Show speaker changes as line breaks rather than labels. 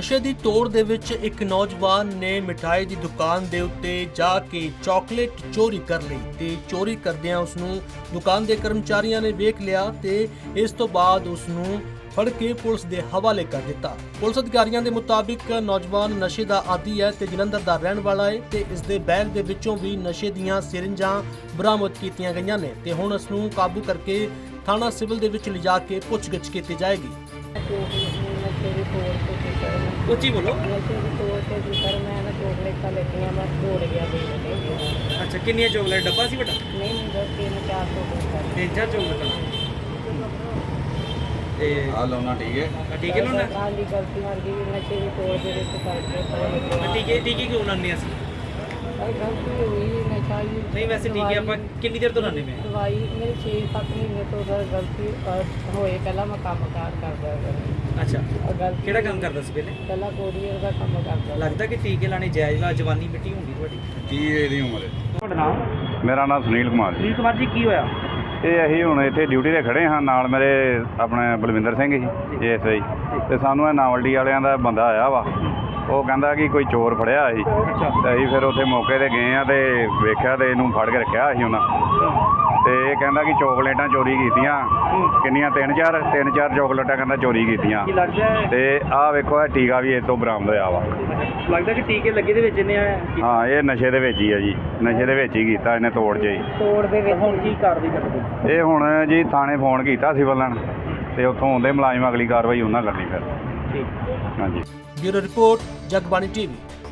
ਨਸ਼ੇ ਦੀ ਤੋੜ ਦੇ ਵਿੱਚ ਇੱਕ ਨੌਜਵਾਨ ਨੇ ਮਿਠਾਈ ਦੀ ਦੁਕਾਨ ਦੇ ਉੱਤੇ ਜਾ ਕੇ ਚਾਕਲੇਟ ਚੋਰੀ ਕਰ ਲਈ ਤੇ ਚੋਰੀ ਕਰਦਿਆਂ ਉਸ ਨੂੰ ਦੁਕਾਨ ਦੇ ਕਰਮਚਾਰੀਆਂ ਨੇ ਵੇਖ ਲਿਆ ਤੇ ਇਸ ਤੋਂ ਬਾਅਦ ਉਸ ਨੂੰ ਫੜ ਕੇ ਪੁਲਿਸ ਦੇ ਹਵਾਲੇ ਕਰ ਦਿੱਤਾ। ਪੁਲਿਸ ਅਧਿਕਾਰੀਆਂ ਦੇ ਮੁਤਾਬਿਕ ਨੌਜਵਾਨ ਨਸ਼ੇ ਦਾ ਆਦੀ ਹੈ ਤੇ ਜਲੰਧਰ ਦਾ ਰਹਿਣ ਵਾਲਾ ਹੈ ਤੇ ਇਸ ਦੇ ਬੈਗ ਦੇ ਵਿੱਚੋਂ ਵੀ ਨਸ਼ੇ ਦੀਆਂ ਸਿਰਿੰਜਾਂ ਬਰਾਮਦ ਕੀਤੀਆਂ ਗਈਆਂ ਨੇ ਤੇ ਹੁਣ ਇਸ ਨੂੰ ਕਾਬੂ ਕਰਕੇ ਥਾਣਾ ਸਿਵਲ ਦੇ ਵਿੱਚ ਲਿਜਾ ਕੇ ਪੁੱਛਗਿੱਛ ਕੀਤੀ ਜਾਏਗੀ।
ਉੱਚੀ ਬੋਲੋ।
ਚੋਕਲੇਟਾਂ ਲੈਤੀਆਂ ਮੈਂ ਦੌੜ ਗਿਆ ਦੇ
ਅੱਛਾ, ਕਿੰਨੀਆਂ ਚੋਕਲੇਟ ਡੱਬਾ ਸੀ ਬੇਟਾ?
ਨਹੀਂ ਬਸ 3-4 ਚੋਕਲੇਟਾਂ।
3-4 ਚੋਕਲੇਟਾਂ ਤੇ
ਆ ਲਾਉਣਾ ਠੀਕ ਹੈ।
ਟੀਕੇ ਲਾਉਣਾ?
ਦੀ ਗਲਤੀ ਮਰ ਗਈ ਨਸ਼ੇ ਦੀ ਤੋੜ ਦੇ ਵਿੱਚ ਕਰਕੇ
ਟੀਕੇ ਕਿਉਂ ਲਾਉਂਦੇ ਅਸੀਂ?
ਗਲਤੀ ਹੋਈ ਨਸ਼ਾ ਹੀ
ਨਹੀਂ ਵੈਸੇ ਟੀਕੇ ਆਪਾਂ ਕਿੰਨੀ ਦੇਰ ਤੋਂ ਲਾਉਂਦੇ ਪਏ?
ਦਵਾਈ ਮੇਰੇ 6-7 ਮਹੀਨੇ ਤੋਂ ਸਰ ਗਲਤੀ ਹੋਏ। ਪਹਿਲਾਂ ਮੈਂ ਕੰਮ ਕਾਰ ਕਰਦਾ ਸੀ।
ਅੱਛਾ,
ਗਲਤੀ
ਕਿਹੜਾ ਕੰਮ ਕਰਦਾ ਸੀ ਪਹਿਲੇ?
ਪਹਿਲਾਂ ਕੋਰੀਅਰ ਦਾ ਕੰਮ ਕਰਦਾ।
ਲੱਗਦਾ ਕਿ ਟੀਕੇ ਲਾਣੇ ਜਾਇਜ਼ ਵਾ, ਜਵਾਨੀ ਮਿੱਟੀ ਹੁੰਦੀ ਤੁਹਾਡੀ।
ਕੀ ਇਹਦੀ ਉਮਰ ਹੈ?
ਤੁਹਾਡਾ ਨਾਮ?
ਮੇਰਾ ਨਾਮ ਸੁਨੀਲ ਕੁਮਾਰ ਜੀ।
ਸੁਨੀਲ ਕੁਮਾਰ ਜੀ, ਕੀ ਹੋਇਆ?
ਇਹ ਅਸੀਂ ਹੁਣ ਇੱਥੇ ਡਿਊਟੀ 'ਤੇ ਖੜੇ ਹਾਂ, ਨਾਲ ਮੇਰੇ ਆਪਣੇ ਬਲਵਿੰਦਰ ਸਿੰਘ ਜੀ ਐਸਆਈ, ਤੇ ਸਾਨੂੰ ਇਹ ਨਾਵਲਡੀ ਵਾਲਿਆਂ ਦਾ ਬੰਦਾ ਆਇਆ ਵਾ। ਉਹ ਕਹਿੰਦਾ ਕਿ ਕੋਈ ਚੋਰ ਫੜਿਆ ਸੀ ਤੇ ਅਸੀਂ ਫਿਰ ਉੱਥੇ ਮੌਕੇ 'ਤੇ ਗਏ ਆ ਤੇ ਵੇਖਿਆ ਤੇ ਇਹਨੂੰ ਫੜ ਕੇ ਰੱਖਿਆ ਸੀ ਉਹਨਾਂ। ਤੇ ਇਹ ਕਹਿੰਦਾ ਕਿ ਚੋਕਲੇਟਾਂ ਚੋਰੀ ਕੀਤੀਆਂ। ਕਿੰਨੀਆਂ? 3-4 ਚੋਕਲੇਟਾਂ ਕਹਿੰਦਾ ਚੋਰੀ ਕੀਤੀਆਂ।
ਕੀ ਲੱਗਦਾ ਹੈ?
ਤੇ ਆਹ ਵੇਖੋ ਇਹ ਟੀਕਾ ਵੀ ਇਹ ਤੋਂ ਬਰਾਮਦ ਹੋਇਆ ਵਾ।
ਲੱਗਦਾ ਕਿ ਟੀਕੇ ਲੱਗੇ ਦੇ ਵਿੱਚ ਇਹਨੇ
ਹਾਂ, ਇਹ ਨਸ਼ੇ ਦੇ ਵਿੱਚ ਹੀ ਆ ਜੀ, ਨਸ਼ੇ ਦੇ ਵਿੱਚ ਹੀ ਕੀਤਾ ਇਹਨੇ ਤੋੜ 'ਚ ਹੀ।
ਤੋੜ ਦੇ ਵਿੱਚ
ਹੁਣ ਕੀ ਕਾਰਵਾਈ ਕਰਦੇ?
ਇਹ ਹੁਣ ਜੀ ਥਾਣੇ ਫੋਨ ਕੀਤਾ ਸਿਵਲ ਲਾਈਨ ਤੇ ਉੱਥੋਂ ਆਉਂਦੇ ਮੁਲਾਜ਼ਮ, ਅਗਲੀ ਕਾਰਵਾਈ ਉਹਨਾਂ ਕਰਨੀ ਫਿਰ।
ਠੀਕ।
ਹਾਂਜੀ।
Bureau report, Jagbani TV.